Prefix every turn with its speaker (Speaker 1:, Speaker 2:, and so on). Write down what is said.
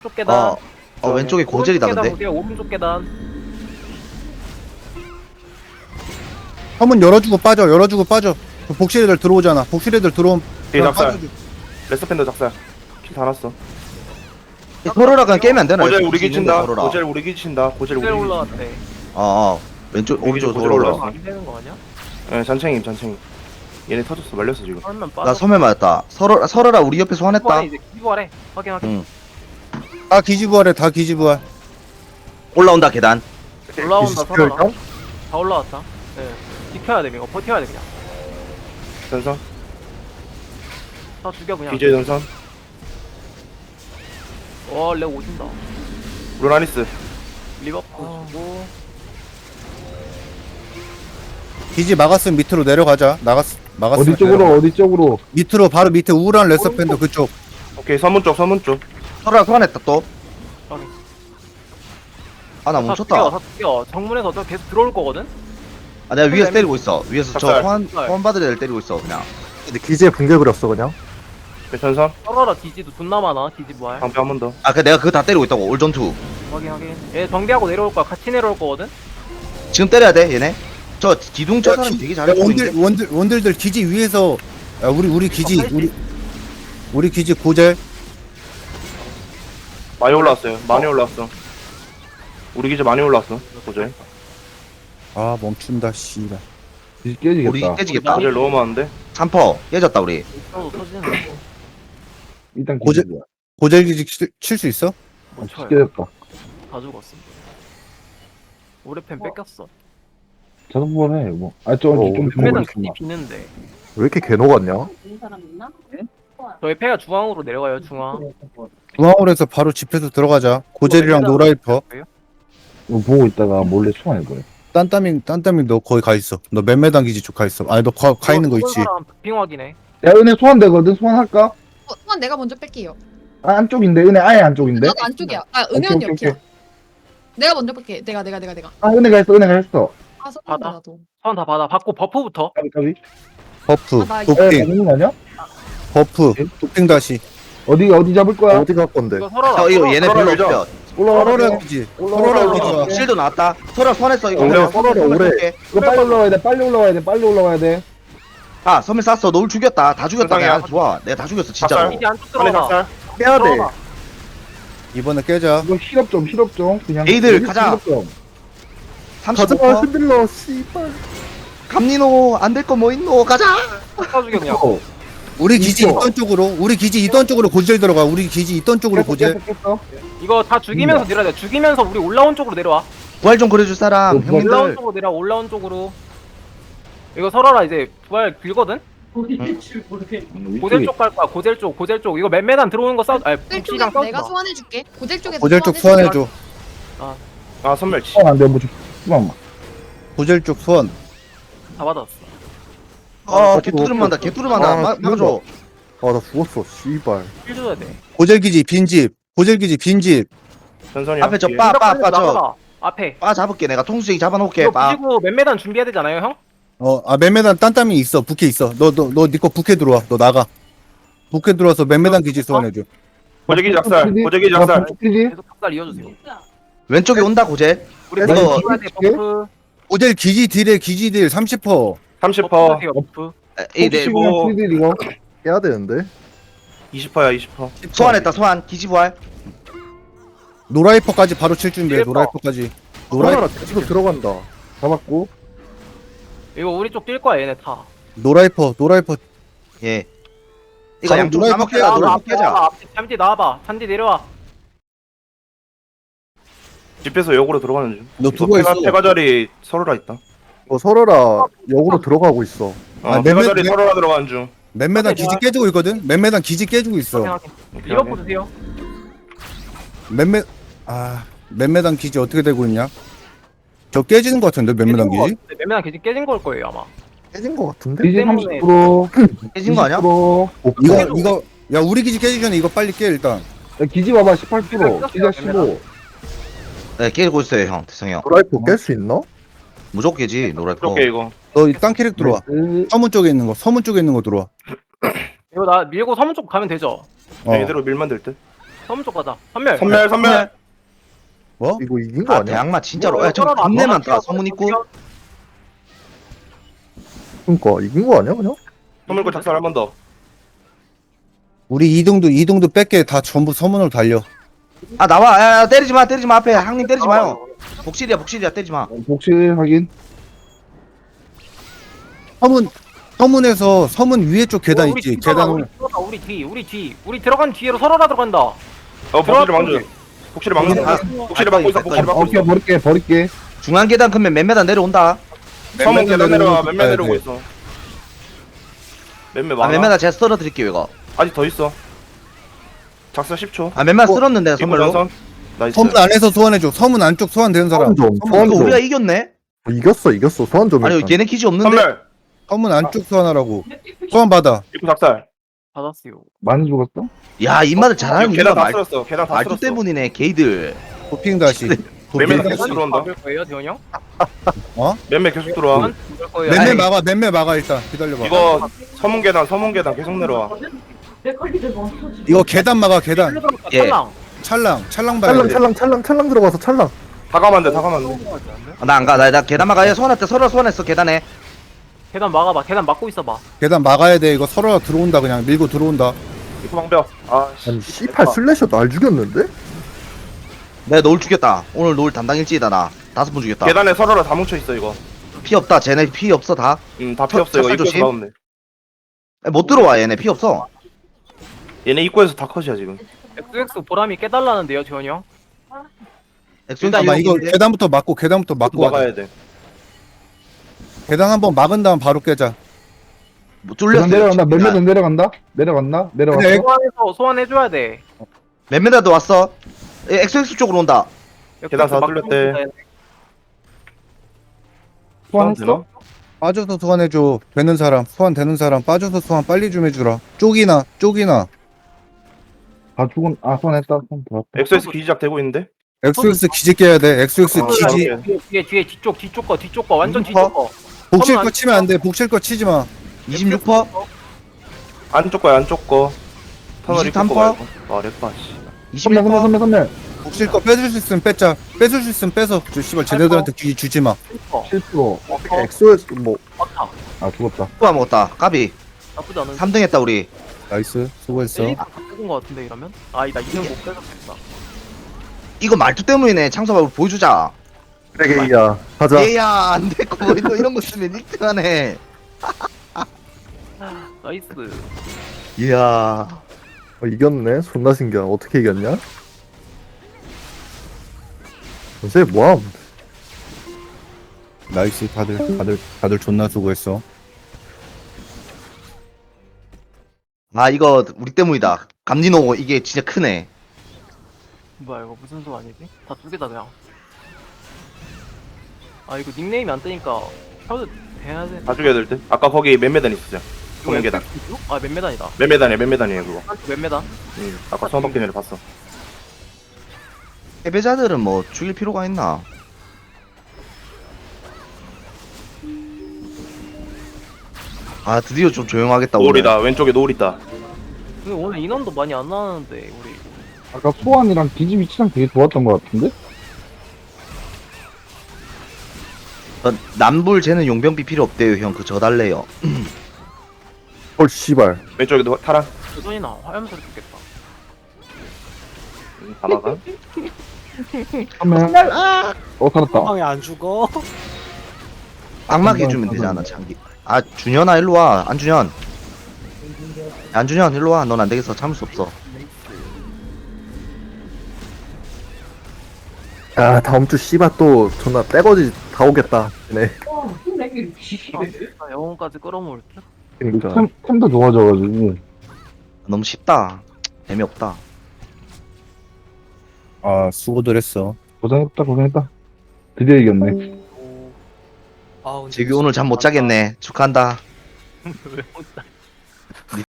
Speaker 1: 쪽 계단.
Speaker 2: 왼쪽에 고젤이다
Speaker 1: 오른쪽 계단
Speaker 2: 근데.
Speaker 1: 보세요. 오른쪽 계단.
Speaker 3: 서문 열어주고 빠져. 그 복실 애들 들어오잖아. 복실 애들 들어오면
Speaker 4: 뒤에
Speaker 3: 그냥
Speaker 4: 작살.
Speaker 3: 빠져줘.
Speaker 4: 레스펜더 작살. 킬 다 났어.
Speaker 2: 서로라 그냥 깨면 안 되나?
Speaker 4: 고젤
Speaker 2: 여기
Speaker 4: 우리
Speaker 2: 있는데,
Speaker 4: 기친다.
Speaker 2: 서로라.
Speaker 4: 고젤 우리 기친다. 고젤 우리
Speaker 1: 셀
Speaker 4: 기친다.
Speaker 1: 올라왔대.
Speaker 2: 왼쪽 오른쪽으로
Speaker 4: 고젤
Speaker 2: 올라.
Speaker 4: 올라왔어.
Speaker 1: 안 되는 거 아니야?
Speaker 4: 예, 잔챙이. 얘네 터졌어. 말렸어 지금.
Speaker 1: 설면 빠져.
Speaker 2: 나 섬에 맞았다. 서로라 우리 옆에 소환했다.
Speaker 1: 이제 기부하래. 확인.
Speaker 2: 응.
Speaker 3: 다 기지부활해. 다 기지부활.
Speaker 2: 올라온다 계단.
Speaker 1: 올라온다 서라. 다 올라왔다. 예. 지켜야 돼 이거. 버텨야 돼 그냥.
Speaker 4: 전선.
Speaker 1: 다 죽여 그냥.
Speaker 4: BJ 전선.
Speaker 1: 렉 오진다.
Speaker 4: 루나니스.
Speaker 1: 리버풀 주고.
Speaker 3: 기지 막았으면 밑으로 내려가자. 막았으면
Speaker 5: 어디 쪽으로?
Speaker 3: 밑으로 바로 밑에 우울한 레서팬더 그쪽.
Speaker 4: 오케이 서문 쪽.
Speaker 2: 서로라 소환했다 또.
Speaker 1: 확인.
Speaker 2: 아 나
Speaker 1: 다
Speaker 2: 멈췄다.
Speaker 1: 죽여. 정문에서 저 계속 들어올 거거든.
Speaker 2: 아 내가 위에서 때리고 있어. 위에서 저
Speaker 4: 작살.
Speaker 2: 소환 받을 애들 때리고 있어 그냥.
Speaker 5: 근데 기지에 붕괴 그렸어 그냥.
Speaker 4: 네, 전선.
Speaker 1: 서라라 디지도 존나 많아. 디지 부활.
Speaker 4: 방패 한 번 더.
Speaker 2: 아 그 내가 그거 다 때리고 있다고. 올전투.
Speaker 1: 확인. 얘 정비하고 내려올 거야. 같이 내려올 거거든.
Speaker 2: 지금 때려야 돼 얘네. 저 기둥 저 사람이 되게 잘해 보이는데.
Speaker 3: 원들들 기지 위에서 야, 우리 기지
Speaker 1: 할 수
Speaker 3: 우리 기지 고젤.
Speaker 4: 많이 올라왔어요. 많이 올라왔어. 우리 기지 많이 올라왔어. 고젤.
Speaker 3: 아 멈춘다 씨발.
Speaker 5: 기지
Speaker 2: 우리
Speaker 5: 깨지겠다.
Speaker 2: 깨지겠다.
Speaker 4: 고젤 너무 많은데.
Speaker 2: 3퍼 깨졌다 우리.
Speaker 1: 있어도 터지는 거.
Speaker 5: 일단
Speaker 3: 고제-
Speaker 5: 기지야.
Speaker 3: 고젤 기지 칠 수 있어?
Speaker 1: 못 쳐요.
Speaker 5: 깨졌다.
Speaker 1: 다 죽었어. 오래팬 뺏겼어.
Speaker 5: 자동 해. 뭐. 좀
Speaker 1: 몇메당 기지 비는데.
Speaker 5: 왜 이렇게 개 녹았냐?
Speaker 1: 저희 패가 중앙으로 내려가요. 중앙.
Speaker 3: 중앙으로 해서 바로 집에서 들어가자. 고젤이랑 노라이퍼.
Speaker 5: 이거 보고 있다가 몰래 총알 거야.
Speaker 3: 딴따밍 너 거기 가 있어. 너 맨메당 기지 쪽 가 있어. 아니 너 가 있는 거 있지.
Speaker 1: 빙 확인해.
Speaker 5: 야 은혜 소환되거든. 소환할까?
Speaker 6: 소환 내가 먼저 뺄게요.
Speaker 5: 아 안쪽인데 은혜 아예 안쪽인데.
Speaker 6: 나도 안쪽이야. 아 은혜 언니
Speaker 5: 오케이.
Speaker 6: 옆이야. 내가 먼저 뺄게. 내가.
Speaker 5: 아 은혜가 했어.
Speaker 6: 아 선배
Speaker 1: 받아.
Speaker 6: 나도.
Speaker 1: 선다 받아. 받고 버프부터.
Speaker 5: 까비.
Speaker 3: 버프,
Speaker 6: 아, 나
Speaker 5: 에
Speaker 3: 도핑,
Speaker 5: 맞는 거 아니야?
Speaker 3: 버프, 도핑 다시.
Speaker 5: 어디 잡을 거야? 어디 갈 건데?
Speaker 1: 이거 서라라.
Speaker 2: 이거 얘네
Speaker 4: 서로라
Speaker 2: 별로
Speaker 4: 밀자.
Speaker 2: 없어.
Speaker 3: 서로라 기지. 서로라 기지와.
Speaker 2: 실드 나왔다. 서로 소환했어 이거.
Speaker 4: 오래,
Speaker 5: 서로라 오래. 이거 빨리 올라가야 돼.
Speaker 2: 아 섬에 쐈어. 너울 죽였다. 다 죽였다.
Speaker 4: 세상에.
Speaker 2: 그냥 좋아. 내가 다 죽였어 진짜로.
Speaker 4: 작살.
Speaker 1: 기지 안쪽
Speaker 4: 안에
Speaker 1: 들어가.
Speaker 4: 작살.
Speaker 5: 빼야 돼.
Speaker 1: 들어가.
Speaker 3: 이번에 깨자.
Speaker 5: 이거 실업 좀 그냥.
Speaker 2: 에이들, 가자.
Speaker 5: 실업 좀.
Speaker 2: 35퍼.
Speaker 5: 흔들러 씨발.
Speaker 2: 감리노 안 될 거 뭐 있노. 가자.
Speaker 1: 다 죽여 그냥.
Speaker 3: 우리 기지
Speaker 5: 있어.
Speaker 3: 있던 쪽으로 고젤 들어가. 우리 기지 있던 쪽으로 고젤.
Speaker 5: 깼어.
Speaker 1: 이거 다 죽이면서 내려야 돼. 죽이면서 우리 올라온 쪽으로 내려와.
Speaker 2: 부활 좀 그려줄 사람.
Speaker 5: 뭐,
Speaker 1: 올라온
Speaker 2: 형님들.
Speaker 1: 쪽으로 내려와. 올라온 쪽으로. 이거 서라라 이제 부활 길거든. 고젤 쪽 갈 거야. 고젤 쪽. 이거 맨메단 들어오는 거 싸우. 아니
Speaker 6: 고젤 쪽에
Speaker 1: 북시랑 싸우지
Speaker 6: 내가
Speaker 1: 마.
Speaker 6: 소환해줄게. 고젤 쪽에서
Speaker 3: 고젤 쪽
Speaker 6: 소환해줄게.
Speaker 3: 소환해줘.
Speaker 4: 아 선멸치.
Speaker 5: 안돼 뭐 좀. 잠깐만.
Speaker 3: 고젤 쪽 소환.
Speaker 1: 다 받았어.
Speaker 2: 개뚜름한다. 개뚜름한다. 막아줘.
Speaker 5: 아 나 죽었어 씨발.
Speaker 1: 힐 줘야 돼.
Speaker 3: 고젤 기지 빈집.
Speaker 4: 전선이야.
Speaker 2: 앞에 저
Speaker 4: 뒤에.
Speaker 2: 빠 저
Speaker 1: 나가봐. 앞에.
Speaker 2: 빠 잡을게. 내가 통수쟁이 잡아놓을게.
Speaker 1: 이거
Speaker 2: 빠.
Speaker 1: 부시고 맨메단 준비해야 되잖아요, 형?
Speaker 3: 맨메단 딴따밍 있어. 부캐 있어. 너 니 거 부캐 들어와. 너 나가. 부캐 들어와서 맨메단 기지 소환해줘.
Speaker 4: 고젤 기지 작살. 고젤 기지 작살.
Speaker 5: 기지?
Speaker 1: 계속 탑살 이어주세요.
Speaker 2: 왼쪽에 온다 고젤.
Speaker 1: 우리
Speaker 5: 이거
Speaker 1: 버프 줘야 돼, 버프.
Speaker 3: 고젤 기지 딜에 기지 딜 30%.
Speaker 4: 30퍼.
Speaker 1: 버프 주세요, 버프.
Speaker 2: 네.
Speaker 4: 뭐-
Speaker 5: 기지 이거 깨야 되는데.
Speaker 4: 20퍼야 20퍼.
Speaker 2: 소환했다. 소환. 기지 부활.
Speaker 3: 노라이퍼까지 바로 칠 준비해.
Speaker 1: 찔퍼.
Speaker 3: 노라이퍼까지.
Speaker 5: 노라이퍼 지금 들어간다. 잡았고.
Speaker 1: 이거 우리 쪽 뛸 거야, 얘네 다.
Speaker 3: 노라이퍼.
Speaker 2: 예. 이거
Speaker 3: 바로
Speaker 2: 양쪽
Speaker 3: 노라이퍼
Speaker 2: 싸먹게자. 노라이퍼 깨자.
Speaker 1: 잠디 나와봐. 잠디 내려와.
Speaker 4: 집에서 역으로 들어가는 중.
Speaker 3: 너
Speaker 4: 이거
Speaker 3: 두고 있어.
Speaker 4: 페가 자리 서로라 있다.
Speaker 5: 서로라 역으로 들어가고 있어.
Speaker 3: 아,
Speaker 4: 페가
Speaker 3: 맨-
Speaker 4: 자리
Speaker 3: 맨-
Speaker 4: 서로라 들어가는 중.
Speaker 3: 맨메단 기지 깨지고 있거든. 맨메단 기지 깨지고 있어.
Speaker 1: 확인. 리버프 주세요.
Speaker 3: 맨메단 기지 어떻게 되고 있냐? 저 깨지는 것 같은데 맨메단 기지?
Speaker 1: 맨메단 기지 깨진 걸 거예요, 아마.
Speaker 5: 깨진 거 같은데?
Speaker 1: 기지
Speaker 5: 30%.
Speaker 2: 깨진 거 아니야?
Speaker 3: 이거 야 우리 기지 깨지기 전에 이거 빨리 깨 일단.
Speaker 5: 기지 봐봐 18%. 기지 15.
Speaker 2: 네 깨고 있어요 형. 대성이 형.
Speaker 5: 노라이퍼 깰 수 있나?
Speaker 2: 무조건 깨지 노라이퍼.
Speaker 4: 이렇게 이거.
Speaker 3: 너 땅 캐릭 들어와. 서문 쪽에 있는 거 들어와.
Speaker 1: 이거 나 밀고 서문 쪽 가면 되죠?
Speaker 3: 어.
Speaker 4: 네, 이대로 밀만 될 듯.
Speaker 1: 서문 쪽 가자. 선멸.
Speaker 4: 선멸.
Speaker 3: 뭐?
Speaker 5: 이거 이긴 거
Speaker 2: 아
Speaker 5: 아니야?
Speaker 2: 대항마 진짜로
Speaker 1: 뭐,
Speaker 2: 야저
Speaker 1: 서로는 안
Speaker 2: 존내
Speaker 1: 막았어.
Speaker 2: 많다 서문 있고
Speaker 5: 그니까 이긴 거 아니야 그냥?
Speaker 4: 선물 거 작살 한 번 더.
Speaker 3: 우리 이동도 뺄게 다 전부 서문으로 달려.
Speaker 2: 아 나와 야 때리지 마 앞에 항님 때리지 마요 복실이야 때리지 마
Speaker 5: 복실 확인.
Speaker 3: 서문에서 서문 위에 쪽 계단
Speaker 1: 우리
Speaker 3: 있지.
Speaker 1: 뒤 봐봐,
Speaker 3: 계단
Speaker 1: 우리 뒤. 우리 들어간 뒤로 서로라 들어간다.
Speaker 4: 복실을 막는. 복실을 막는.
Speaker 2: 아,
Speaker 4: 복실을 막고 있어. 복실을 막고
Speaker 5: 오케이
Speaker 4: 있어.
Speaker 5: 버릴게.
Speaker 2: 중앙 계단 크면 몇 메다 내려온다
Speaker 4: 서문 계단 내려와.
Speaker 3: 가야
Speaker 4: 몇몇 내려오고
Speaker 3: 돼.
Speaker 4: 있어. 몇몇
Speaker 2: 아
Speaker 4: 많아.
Speaker 2: 몇 메다 제가 썰어드릴게요 이거
Speaker 4: 아직 더 있어. 작살 10초.
Speaker 2: 아 몇 메다 쓸었는데
Speaker 4: 이거
Speaker 2: 선물로
Speaker 4: 전선. 나이스.
Speaker 3: 서문 안에서 소환해줘. 서문 안쪽 소환되는 사람.
Speaker 5: 소환 좀,
Speaker 3: 서문
Speaker 5: 소환
Speaker 2: 이거
Speaker 5: 좀.
Speaker 2: 우리가 이겼네
Speaker 5: 이겼어. 소환 좀.
Speaker 2: 아니
Speaker 5: 일단.
Speaker 2: 얘네 기지 없는데
Speaker 4: 선멸.
Speaker 3: 서문 안쪽 소환하라고. 소환 받아.
Speaker 4: 입구 작살.
Speaker 1: 받았어요.
Speaker 5: 많이 죽었어?
Speaker 2: 야 입맛을 잘하는
Speaker 4: 계단
Speaker 2: 이유가
Speaker 4: 다
Speaker 2: 말,
Speaker 4: 쓸었어. 계단 다
Speaker 2: 말투
Speaker 4: 쓸었어.
Speaker 2: 때문이네 게이들
Speaker 3: 도핑 다시.
Speaker 4: 몇몇
Speaker 3: 도핑
Speaker 4: 계속
Speaker 3: 다시.
Speaker 4: 들어온다.
Speaker 1: 막을 거예요, 대원 형?
Speaker 4: 몇몇 계속 들어와.
Speaker 1: 막을 거예요.
Speaker 3: 맨매
Speaker 2: 아니.
Speaker 3: 막아. 맨매 막아 일단. 기다려봐.
Speaker 4: 이거 서문 계단 계속 내려와.
Speaker 3: 이거 계단 막아. 계단.
Speaker 2: 예.
Speaker 1: 찰랑.
Speaker 3: 찰랑 봐야 돼.
Speaker 5: 찰랑 들어가서 찰랑.
Speaker 4: 다 가면 돼. 다 가면 돼.
Speaker 2: 나 안 가 나 계단 막아 얘 소환할 때 서로 소환했어 계단에
Speaker 1: 계단 막아봐. 계단 막고 있어봐.
Speaker 3: 계단 막아야 돼. 이거 서로가 들어온다. 그냥 밀고 들어온다.
Speaker 4: 입구 방벽. 아 씨.
Speaker 5: 아니 C8 슬래셔 날 죽였는데?
Speaker 2: 내가 노을 죽였다 오늘 노을 담당 일지이다 나 5번 죽였다
Speaker 4: 계단에 서로라 다 뭉쳐 있어 이거.
Speaker 2: 피 없다 쟤네 피 없어 다
Speaker 4: 다 필요 없어 이거.
Speaker 2: 찹쌀
Speaker 4: 입구에서
Speaker 2: 조심.
Speaker 4: 나오면 돼.
Speaker 2: 못 들어와 얘네 피 없어
Speaker 4: 얘네 입구에서 다 컷이야 지금.
Speaker 1: XX 보람이 깨달라는데요, 대원 형?
Speaker 3: 잠깐만 이거 계단부터 막고 가자.
Speaker 4: 막아야 돼.
Speaker 3: 계단 한번 막은 다음 바로 깨자.
Speaker 2: 못 뚫렸어
Speaker 5: 내려간다. 몇 메다 내려갔나? 내려갔어.
Speaker 3: 근데
Speaker 1: 소환해줘야 돼.
Speaker 2: 몇 메다도 왔어 XX 쪽으로 온다
Speaker 4: 계단 다
Speaker 1: 막고
Speaker 4: 뚫렸대.
Speaker 1: 있어야 돼.
Speaker 5: 소환했어?
Speaker 3: 빠져서 소환해줘. 되는 사람 소환되는 사람 빠져서 소환 빨리 좀 해주라. 쪽이나
Speaker 5: 다 죽은. 소환했다. 소환 들어왔다.
Speaker 4: XS 기지작 되고 있는데.
Speaker 3: XX 기지 깨야 돼. XX
Speaker 4: 아,
Speaker 3: 기지.
Speaker 4: 오케이.
Speaker 1: 뒤에 뒤쪽 거 완전 뒤쪽 거.
Speaker 3: 복실
Speaker 1: 서문
Speaker 3: 거 치면 안 돼. 복실 거 치지 마.
Speaker 2: 26%?
Speaker 4: 안쪽 거야 안쪽 거. 터널 입구
Speaker 2: 23%?
Speaker 4: 거 말고. 아 렉바 씨.
Speaker 2: 21%?
Speaker 5: 선멸.
Speaker 3: 복실 거 뺏을 수 있으면 뺏자. 뺏을 수 있으면 뺏어. 저 씨발 쟤네들한테 기지 주지 마.
Speaker 5: 7%. 엑소에서 뭐.
Speaker 1: 맞다.
Speaker 5: 죽었다.
Speaker 2: 또 먹었다 까비
Speaker 1: 나쁘지 않은.
Speaker 2: 3등 했다 우리
Speaker 3: 나이스. 수고했어.
Speaker 1: 뺏은 거 같은데 이러면? 아니다, 이는 못 뺏었겠다.
Speaker 2: 이거 말투 때문이네 창섭아 우리 보여주자
Speaker 5: 그래게이야. 가자.
Speaker 2: 얘야 안됐고 뭐 이런 거 쓰면 1등하네
Speaker 1: 나이스.
Speaker 2: 이야
Speaker 5: 이겼네. 존나 신기하다. 어떻게 이겼냐? 쟤 뭐함?
Speaker 3: 나이스. 다들 존나 수고했어.
Speaker 2: 아 이거 우리 때문이다 감리노 이게 진짜 크네
Speaker 1: 뭐야 이거 무슨 소 아니지? 다 두 개다 그냥. 아 이거 닉네임이 안 뜨니까 켜도 해야 돼.
Speaker 4: 다 죽여야 될 듯. 아까 거기 몇 메단 있었죠. 서문 계단.
Speaker 1: 아몇 메단이다.
Speaker 4: 몇 메단이에요 그거.
Speaker 1: 몇 메단?
Speaker 4: 응. 아까 처음 바뀐 애를 봤어.
Speaker 2: 패배자들은 뭐 죽일 필요가 있나 아 드디어 좀 조용하겠다 오늘
Speaker 4: 노을이다. 왼쪽에 노을 있다.
Speaker 1: 근데 오늘 인원도 많이 안 나왔는데 우리.
Speaker 5: 아까 소환이랑 기지 위치랑 되게 좋았던 것 같은데?
Speaker 2: 남불 쟤는 용병비 필요 없대요 형 그 저 달래요
Speaker 5: 헐 씨발.
Speaker 4: 왼쪽에 타라.
Speaker 1: 조선이나 화염소리 듣겠다.
Speaker 4: 다 막아.
Speaker 5: 선멸. 살았다.
Speaker 7: 방에 안 죽어?
Speaker 2: 악막 해주면 되잖아 장기 아 준현아 일로와 안준현 안준현 일로와 넌 안되겠어 참을 수 없어
Speaker 5: 다음 주 씨발 또 존나 떼거지 다 오겠다. 네.
Speaker 1: 영혼까지 끌어모을 듯?
Speaker 5: 그러니까. 템도 좋아져가지고.
Speaker 2: 너무 쉽다 재미없다
Speaker 3: 아 수고들 했어.
Speaker 5: 고생했다. 드디어 이겼네.
Speaker 7: 아, 근데
Speaker 2: 재규 오늘 잠 못 자겠네 축하한다
Speaker 1: 왜 혼자